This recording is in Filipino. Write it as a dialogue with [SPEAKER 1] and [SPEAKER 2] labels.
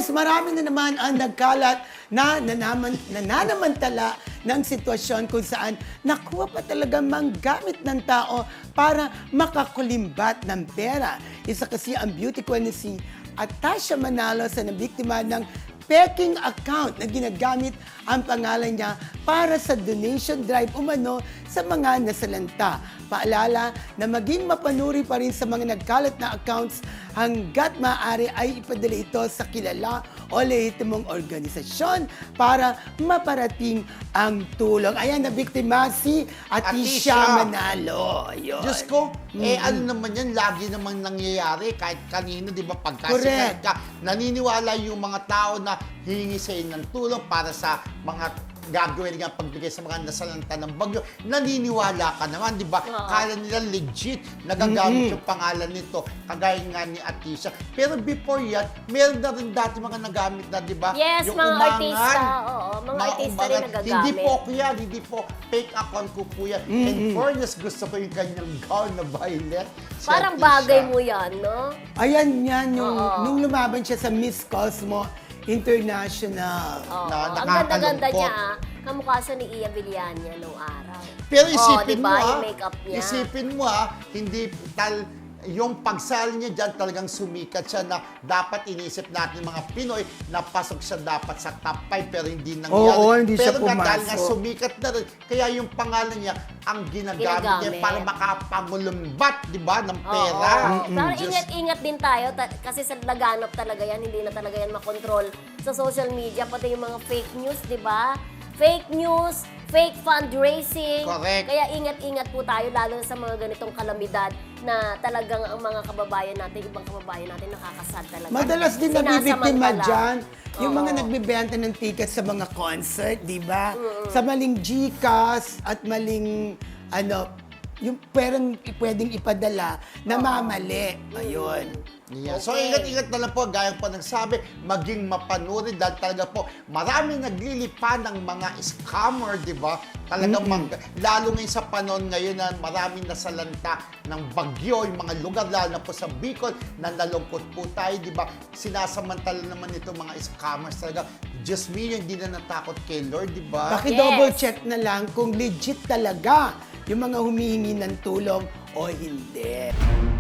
[SPEAKER 1] Yes, marami na naman ang nagkalat na nananamantala ng sitwasyon kung saan nakuha pa talaga manggamit ng tao para makakulimbat ng pera. Isa kasi ang beauty queen na si Atasha Manalo sa nabiktima ng peking account na ginagamit ang pangalan niya para sa donation drive umano sa mga nasalanta. Paalala na maging mapanuri pa rin sa mga nagkalat na accounts hanggat maaari ay ipadala ito sa kilala o lehitimong organisasyon para maparating ang tulong. Ayan, na biktima si Atisha Manalo. Ayun.
[SPEAKER 2] Diyos ko, ano naman yan, lagi namang nangyayari kahit kanino, di ba, pagkasikat
[SPEAKER 1] Correct.
[SPEAKER 2] ka, naniniwala yung mga tao na hihingi sa'yo ng tulong para sa mga gagawin nga pagbigay sa mga nasalanta ng bagyo, naniniwala ka naman, di ba? Kala nila legit, nagagamit yung pangalan nito, kagaya nga ni Atisha. Pero before yan, meron na rin dati mga nagamit na, di ba?
[SPEAKER 3] Yes,
[SPEAKER 2] yung
[SPEAKER 3] mga
[SPEAKER 2] umangan,
[SPEAKER 3] artista, oo, mga artista rin nagagamit.
[SPEAKER 2] Hindi po ako yan, hindi po fake account ko po yan. And fairness, gusto ko yung kanyang gown na violet. Si
[SPEAKER 3] Parang
[SPEAKER 2] Atisha.
[SPEAKER 3] bagay mo yan, no?
[SPEAKER 1] Ayan yan, nung lumaban siya sa Miss Cosmo International.
[SPEAKER 3] Oo.
[SPEAKER 2] Na
[SPEAKER 3] Ang ganda-ganda
[SPEAKER 2] nakakalungkot.
[SPEAKER 3] niya, kamukha siya ni Iya Villania nung araw.
[SPEAKER 2] Pero isipin
[SPEAKER 3] diba,
[SPEAKER 2] mo
[SPEAKER 3] yung makeup niya.
[SPEAKER 2] isipin mo hindi yung pagsali niya dyan talagang sumikat siya na dapat iniisip natin mga Pinoy na pasok siya dapat sa top 5 pero hindi nangyari.
[SPEAKER 1] Oo, hindi siya
[SPEAKER 2] pero dahil nga
[SPEAKER 1] pumasok.
[SPEAKER 2] sumikat na rin, kaya yung pangalan niya ang ginagamit niya
[SPEAKER 3] Ginagamit.
[SPEAKER 2] para makapangulumbat, di ba, ng pera.
[SPEAKER 3] Pero
[SPEAKER 2] Diyos.
[SPEAKER 3] ingat-ingat din tayo kasi sa laganap talaga yan, hindi na talaga yan makontrol sa social media, pati yung mga fake news, di ba? Fake news, fake fundraising.
[SPEAKER 2] Correct.
[SPEAKER 3] Kaya ingat-ingat po tayo, lalo na sa mga ganitong kalamidad na talagang ang mga kababayan natin, ibang kababayan natin nakakasad talaga.
[SPEAKER 1] Madalas din nabibiktima
[SPEAKER 3] Sinasamantala.
[SPEAKER 1] dyan yung mga
[SPEAKER 3] Oo.
[SPEAKER 1] nagbebenta ng tickets sa mga concert, di ba? Sa maling GCash at maling, yung pwedeng ipadala na mamali. Ayun.
[SPEAKER 2] Yeah. So,
[SPEAKER 3] Okay.
[SPEAKER 2] ingat-ingat na lang po, gaya po nagsabi, maging mapanuri dahil talaga po, maraming naglilipa ng mga scammer, di ba? Talagang, lalo ngayon sa panahon ngayon na maraming nasalanta ng bagyo, yung mga lugar, lalo na po sa Bicol, na nalungkot po tayo, di ba? Sinasamantala naman itong mga scammers talaga. Diyos me, hindi na natakot kay Lord, di ba?
[SPEAKER 1] Paki-double
[SPEAKER 3] Yes.
[SPEAKER 1] check na lang kung legit talaga yung mga humihingi ng tulong o hindi.